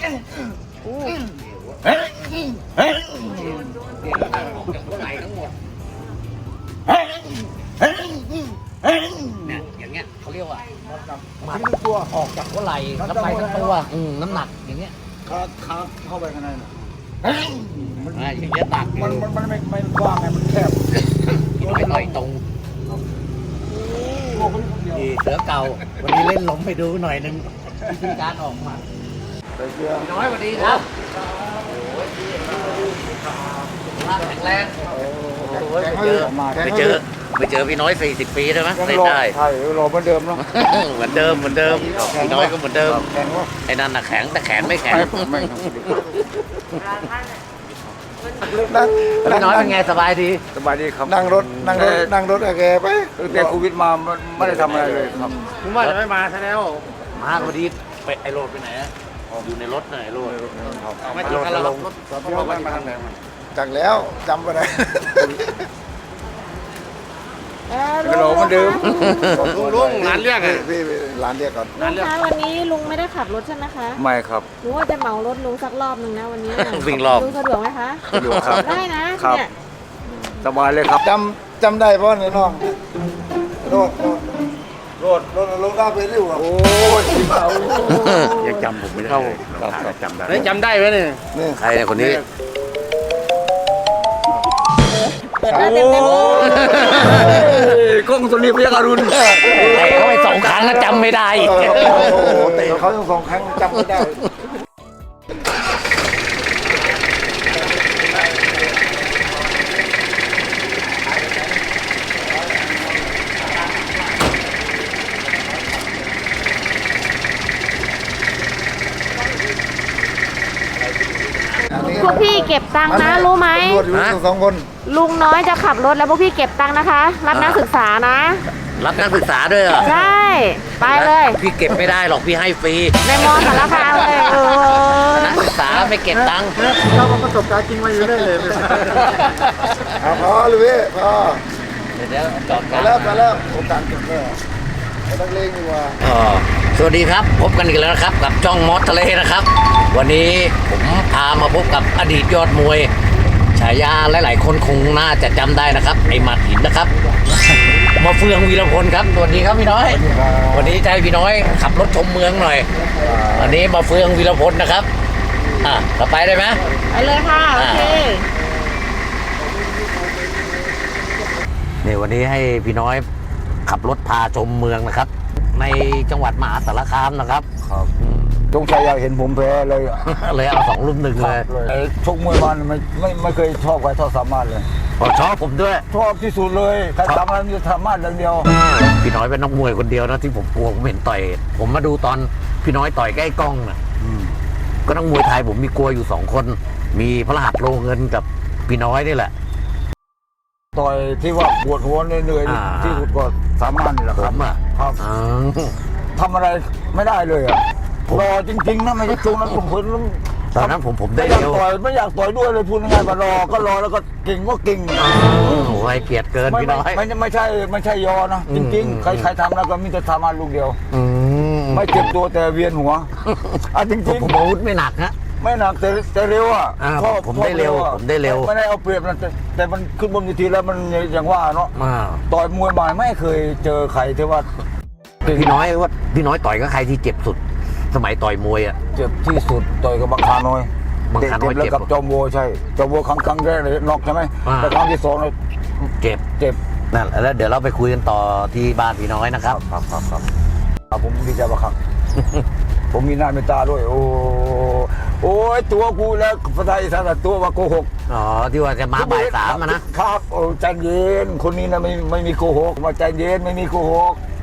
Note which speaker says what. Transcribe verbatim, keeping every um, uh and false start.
Speaker 1: โอ้
Speaker 2: เฮ้ยเฮ้ย
Speaker 1: ไหลทั้งหมด
Speaker 2: เฮ้ยเฮ้ยเฮ้ย
Speaker 1: เนี่ยอย่างเงี้ยเขาเรียกว่าหมัดตัวออกจากหัวไหล่แล้วไปทั้งตัวอืมน้ำหนักอย่างเงี้ย
Speaker 3: ขาขาเข้าไปข้างในน่ะ
Speaker 2: เฮ้ย
Speaker 1: อ่าอย่างเงี้ยตัก
Speaker 3: มันมันมันไม่ไม่กว้างไงมันแคบ
Speaker 1: พี่น้อยต่อยตรงดีเสือเก่าวันนี้เล่นล้มไปดูหน่อยนึงวิธีการออกหมัด
Speaker 3: ใส่เสื้อ
Speaker 1: พี่น้อยสวัสดีครับแข็งแรง
Speaker 3: แข็ง
Speaker 1: ไปเจอ
Speaker 3: มา
Speaker 1: ไปเจอไปเจอพี่น้อยสี่สิบปีได้ไหม
Speaker 3: ยัง
Speaker 1: เล่น
Speaker 3: รอ
Speaker 1: ได้
Speaker 3: ใช่รอเหมือนเดิมเนาะ
Speaker 1: เหมือนเดิมเหมือนเดิมพี่น้อยก็เหมือนเดิม
Speaker 3: แข็งวะ
Speaker 1: ไอ้นั่นน่ะแข็งแต่แขนไม่แข็ง
Speaker 3: ไม่ไม่นั่ง
Speaker 1: พี่น้อยเป็นไงสบายดี
Speaker 3: สบายดีครับนั่งรถนั่งรถนั่งรถแกไปตั้งแต่โควิดมาไม่ได้ทำอะไรเลยครับ
Speaker 1: ผมว่าจะไม่มาซะแล้วมาพอดีไปไอโรดไปไหนอะอยู่ในรถไหนโรดไม่ถึงกันเรารถรถมาทางไหน
Speaker 3: จากแล้วจำไปได้ก็รอเหมือนเดิม
Speaker 1: ลุงลุงร้านเรียกอะ
Speaker 3: พี่ร้านเรียกก่อน
Speaker 4: ลุงคะวันนี้ลุงไม่ได้ขับรถใช่ไหมคะ
Speaker 3: ไม่ครับ
Speaker 4: หนูว่าจะเหมารถลุงสักรอบหนึ่งนะวันนี้
Speaker 1: วิ่งรอบ
Speaker 4: ลุงสะดวกไหมคะ
Speaker 3: สะดวกครับ
Speaker 4: ได้นะครับ เนี่ย
Speaker 3: สบายเลยครับจำจำได้เพราะในน้องโรดโรดโรดลงได้ไปเร็วอ่ะโอ้ยเบา
Speaker 2: ยังจำผมไม่ได้เลยจำได้
Speaker 1: จำได้ไหมเนี่ย
Speaker 3: นี่
Speaker 1: ใครเนี่ยคนนี้
Speaker 4: เปิดหน้าเต็มเต็มเลย
Speaker 3: กล้องสุริพยาการุณ
Speaker 1: เตะเขาไปสองครั้งแล้วจำไม่ได้
Speaker 3: โอ้โหเตะเขาสองครั้งจำไม่ได้
Speaker 4: พวกพี่เก็บตังค์นะรู้ไหม
Speaker 3: ตำรวจอยู่สองคน
Speaker 4: ลุงน้อยจะขับรถแล้วพวกพี่เก็บตังค์นะคะ รับนักศึกษานะ
Speaker 1: รับนักศึกษาด้วยเหรอ
Speaker 4: ใช่ ไปเลย
Speaker 1: พี่เก็บไม่ได้หรอกพี่ให้ฟรี
Speaker 4: ในมอสารคามเลยเออ
Speaker 1: นักศึกษาไม่เก็บตังค์
Speaker 3: เราประสบการณ์จริงมาอยู่ได้เลยพอเลยพี่พอ
Speaker 1: เดี๋ยวจอด
Speaker 3: ไป
Speaker 1: กัน
Speaker 3: แล้วไปแล้วโอกาสเก็บแล้วไม่ต้องเล่งดีกว่า
Speaker 1: อ๋อสวัสดีครับพบกันอีกแล้วนะครับกับจ้องมอสทะเลนะครับ วันนี้ผมพามาพบกับอดีตยอดมวยฉายาหลายๆคนคงน่าจะจำได้นะครับไอ้หมัดหินนะครับ มาเฟืองวีรพลครับสวัสดีครับพี่น้อย วันนี้จะให้พี่น้อยขับรถชมเมืองหน่อยวันนี้มาเฟืองวีรพลนะครับอ่ะเราไปได้ไหม
Speaker 4: ไปเลยค่ะ โอเค
Speaker 1: นี่วันนี้ให้พี่น้อยขับรถพาชมเมืองนะครับ ในจังหวัดมหาสารคามนะครับ
Speaker 3: ครับจงชัยอยากเห็นผมแพ้เลยอะ
Speaker 1: เลยเอาสองรุ่มหนึ่งเลย
Speaker 3: ไอ้ชกมวยมันไม่ไม่ไม่เคยชอบใครเท่าสามารถเลย
Speaker 1: ขอชอบผมด้วย
Speaker 3: ชอบที่สุดเลยใครทำอะไรมันจะสามารถอย่างเดียว
Speaker 1: พี่น้อยเป็นนักมวยคนเดียวนะที่ผมกลัวผมเห็นต่อย ผมมาดูตอนพี่น้อยต่อยใกล้กล้องนะก็นักมวยไทยผมมีกลัวอยู่สองคน มีพระรหัสโลเงินกับพี่น้อยนี่แหละ
Speaker 3: ต่อยที่ว่าปวดหัวเหนื่อย
Speaker 1: อ่า
Speaker 3: ๆที่สุดก็สามารถนี่แหละ
Speaker 1: ผ
Speaker 3: ครับ
Speaker 1: มอ่ะ
Speaker 3: ครับ
Speaker 1: อ๋อ
Speaker 3: ทำอะไรไม่ได้เลยอ่ะรอจริงๆนะไม่ใช่ชงนะผมเพิ่น
Speaker 1: ตอนนั้นผมผม
Speaker 3: ไม่
Speaker 1: ได้
Speaker 3: อยาก
Speaker 1: เร็ว
Speaker 3: ต่อยไม่อยากต่อยด้วยเลยพูดง่ายๆว่ารอก็รอแล้วก็เก่งก็เก่ง
Speaker 1: โอ้โหให้เกียรติเกิน
Speaker 3: ไม่
Speaker 1: พี่
Speaker 3: ไม่
Speaker 1: น้อย
Speaker 3: ไม่ไม่ใช่ไม่ใช่ยอนะ
Speaker 1: อื
Speaker 3: จ
Speaker 1: ม
Speaker 3: ริง
Speaker 1: อืม
Speaker 3: ๆ ใครใครทำแล้วก็มีแต่สามารถลูกเดียว
Speaker 1: อืม
Speaker 3: ไม่เจ็บตัวแต่เวียนหัวอ่ะจ
Speaker 1: ผ
Speaker 3: ริ
Speaker 1: ม
Speaker 3: ง
Speaker 1: ผมอาวุธไม่หนักฮะ
Speaker 3: ๆไม่หนักแต่แต่เร็วอ่ะ
Speaker 1: อ่า
Speaker 3: ชอบ
Speaker 1: ผมได้เร็ว
Speaker 3: ชอบอะ
Speaker 1: ผมได้เร็ว
Speaker 3: ไม่ได้เอาเปรียบนะแต่แต่มันขึ้นบนเวทีแล้วมันอย่างว่าเนาะ
Speaker 1: อ่า
Speaker 3: ต่อยมวยมาไม่เคยเจอใครที่ว่า
Speaker 1: พี่น้อยว่าพี่น้อยต่อยกับใครที่เจ็บสุด สมัยต่อยมวยอ่ะ
Speaker 3: เจ็บที่สุดต่อยกับบังคาน้อย
Speaker 1: บังคาน้อย
Speaker 3: แล้ว
Speaker 1: เจ็บ
Speaker 3: กับจอมโวใช่จอมโวครั้งครั้งแรกเลยน็อกใช่ไหม
Speaker 1: อ่า
Speaker 3: แต่ครั้งที่สองเลย
Speaker 1: เจ็บ
Speaker 3: เจ็บ
Speaker 1: นั่นแล้วเดี๋ยวเราไปคุยกันต่อที่บ้านพี่น้อยนะครับ
Speaker 3: ครับครับครับครับผมดีใจมากครับ ผมมีหน้าเมตตาด้วย โอ้โอ้ยตัวกูแล้วภาษาอีสานตัวว่าโกหก
Speaker 1: อ๋อที่ว่าจะมาบ่ายสามอะนะครับ
Speaker 3: โอ้ใจเย็นคนนี้นะไม่ไม่มีโกหกมาใจเย็นไม่มีโกหก